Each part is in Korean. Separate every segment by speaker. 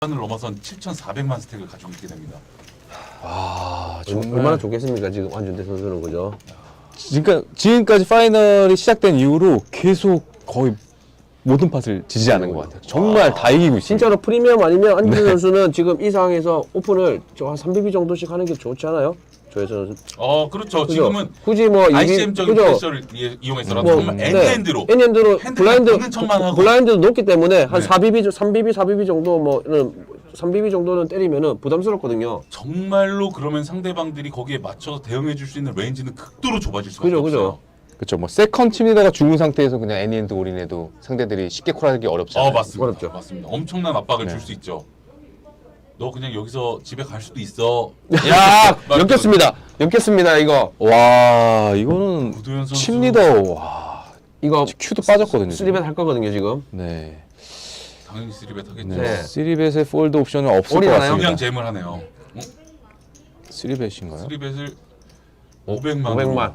Speaker 1: 을 넘어선 7,400만 스택을 가지고 있게 됩니다.
Speaker 2: 아, 정말
Speaker 3: 얼마나 좋겠습니까 지금 안준태 선수는 그죠?
Speaker 2: 지금까지 파이널이 시작된 이후로 계속 거의 모든 팟을 지지하는 것 같아요. 정말 다 이기고 있어요.
Speaker 3: 진짜로 프리미엄 아니면 안준태 선수는 지금 이 상황에서 오픈을 한 3BB 정도씩 하는 게 좋지 않아요? 조혜선 선수.
Speaker 1: 그렇죠.
Speaker 3: 그죠?
Speaker 1: 지금은
Speaker 3: 굳이 뭐
Speaker 1: ICM적인
Speaker 3: 그죠?
Speaker 1: 프레셔를 이용해서라도 정말 엔드엔드로
Speaker 3: 엔드로
Speaker 1: 핸드가 보는 척만 하고.
Speaker 3: 블라인드도 높기 때문에 한
Speaker 1: 네.
Speaker 3: 4BB, 3BB, 4BB 정도 뭐는 3BB 정도는 때리면은 부담스럽거든요.
Speaker 1: 정말로 그러면 상대방들이 거기에 맞춰서 대응해 줄 수 있는 레인지는 극도로 좁아질 수밖에
Speaker 3: 그죠, 그죠.
Speaker 1: 없어요.
Speaker 2: 그렇죠. 뭐 세컨 팀리더가 죽은 상태에서 그냥 애니엔드 올인해도 상대들이 쉽게 콜하기 어렵잖아요.
Speaker 1: 맞습니다.
Speaker 3: 어렵죠.
Speaker 1: 맞습니다. 엄청난 압박을
Speaker 2: 네.
Speaker 1: 줄 수 있죠. 너 그냥 여기서 집에 갈 수도 있어.
Speaker 3: 야, 엮였습니다 이거.
Speaker 2: 와, 이거는
Speaker 1: 구도현 선수.
Speaker 2: 팀리더. 와,
Speaker 3: 이거
Speaker 2: 큐도 빠졌거든요. 지금.
Speaker 3: 3벳 할 거거든요 지금.
Speaker 2: 네.
Speaker 1: 당연히 3벳 하겠죠.
Speaker 2: 네.
Speaker 3: 네.
Speaker 2: 3벳의 폴드 옵션은 없을 것
Speaker 3: 올인하나요?
Speaker 1: 그냥
Speaker 2: 같습니다.
Speaker 1: 잼을 하네요.
Speaker 2: 3벳인가요?
Speaker 1: 3벳을 500만.
Speaker 3: 500만.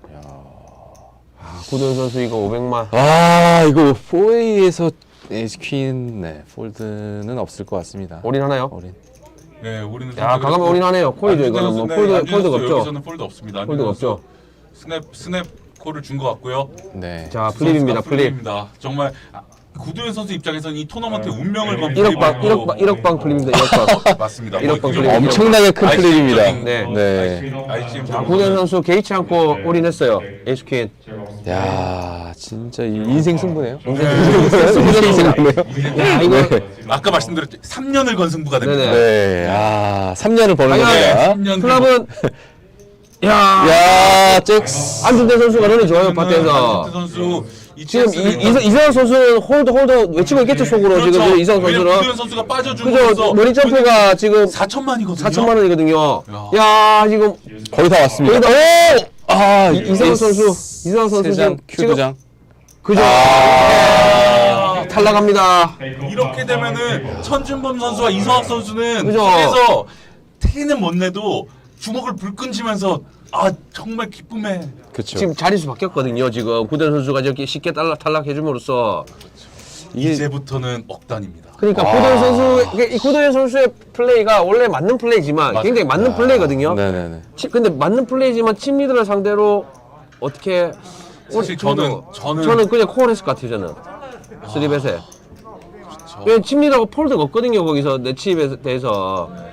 Speaker 3: 구도현 선수 이거 500만.
Speaker 2: 아, 이거 4A에서 에이스퀸 폴드는 없을 것 같습니다.
Speaker 3: 올인하나요?
Speaker 2: 올인.
Speaker 1: 네, 우리는
Speaker 3: 야, 가감 올인하네요. 콜이죠 이거는 뭐 폴드가 없죠.
Speaker 1: 여기서는 폴드 없습니다.
Speaker 3: 폴드가 없죠.
Speaker 1: 스냅 콜을 준 것 같고요.
Speaker 2: 네.
Speaker 3: 자, 플립입니다. 플립.
Speaker 1: 플립입니다. 정말 구도현 선수 입장에서는 이 토너먼트의 운명을 건
Speaker 3: 1억 방, 1억 방 플립입니다. 1억 방.
Speaker 1: 맞습니다.
Speaker 3: 1억 방
Speaker 1: 이런
Speaker 3: 플립.
Speaker 2: 엄청나게 큰 플립입니다.
Speaker 3: 네.
Speaker 2: 네.
Speaker 1: ICM
Speaker 3: 자, 구도현 선수 개의치 않고 올인했어요. 에이스퀸.
Speaker 2: 야, 진짜 이 인생 승부네요.
Speaker 3: 인생 승부네요. 야, 이거
Speaker 1: 아까 말씀드렸죠. 3년을 건 승부가 됩니다.
Speaker 3: 네네.
Speaker 2: 네. 아, 3년을 버는
Speaker 3: 과연
Speaker 2: 겁니다.
Speaker 1: 3년
Speaker 3: 클럽은 야,
Speaker 2: 야, 잭스.
Speaker 3: 안준태 선수가 런이 좋아요.
Speaker 1: 안준태
Speaker 3: 밭에서.
Speaker 1: 선수
Speaker 3: 지금 이성현 선수는 홀드 외치고 있겠죠 속으로
Speaker 1: 그렇죠.
Speaker 3: 지금 이성현
Speaker 1: 구도현
Speaker 3: 선수는.
Speaker 1: 선수가
Speaker 3: 그죠?
Speaker 1: 빠져주면서
Speaker 3: 머리 점프가 지금
Speaker 1: 4천만이거든요.
Speaker 3: 4천만 원이거든요. 야, 지금
Speaker 2: 거의 다 왔습니다.
Speaker 3: 거의 다-
Speaker 2: 아,
Speaker 3: 이성현 선수
Speaker 2: 세장
Speaker 3: 지금
Speaker 2: 큐도장.
Speaker 3: 그죠? 탈락합니다.
Speaker 1: 이렇게 되면은 천준범 선수와 이성학 선수는
Speaker 3: 그죠?
Speaker 1: 그래서 티는 못 내도 주먹을 불끈 쥐면서 정말 기쁨에
Speaker 2: 그렇죠.
Speaker 3: 지금 자릿수 바뀌었거든요. 지금 구현 선수가 저렇게 쉽게 탈락해줌으로써
Speaker 1: 이제부터는 억단입니다.
Speaker 3: 그러니까 구도현 선수 이 구도현 선수의 플레이가 원래 맞는 플레이지만
Speaker 1: 맞아요.
Speaker 3: 굉장히 맞는 플레이거든요.
Speaker 2: 네네네.
Speaker 3: 근데 맞는 플레이지만 팀 리더를 상대로 어떻게
Speaker 1: 사실
Speaker 3: 저는
Speaker 1: 저는
Speaker 3: 그냥 콜했을 것 같아요. 저는 3벳에. 왜팀 리더가 폴드가 없거든요. 거기서 내 칩에 대해서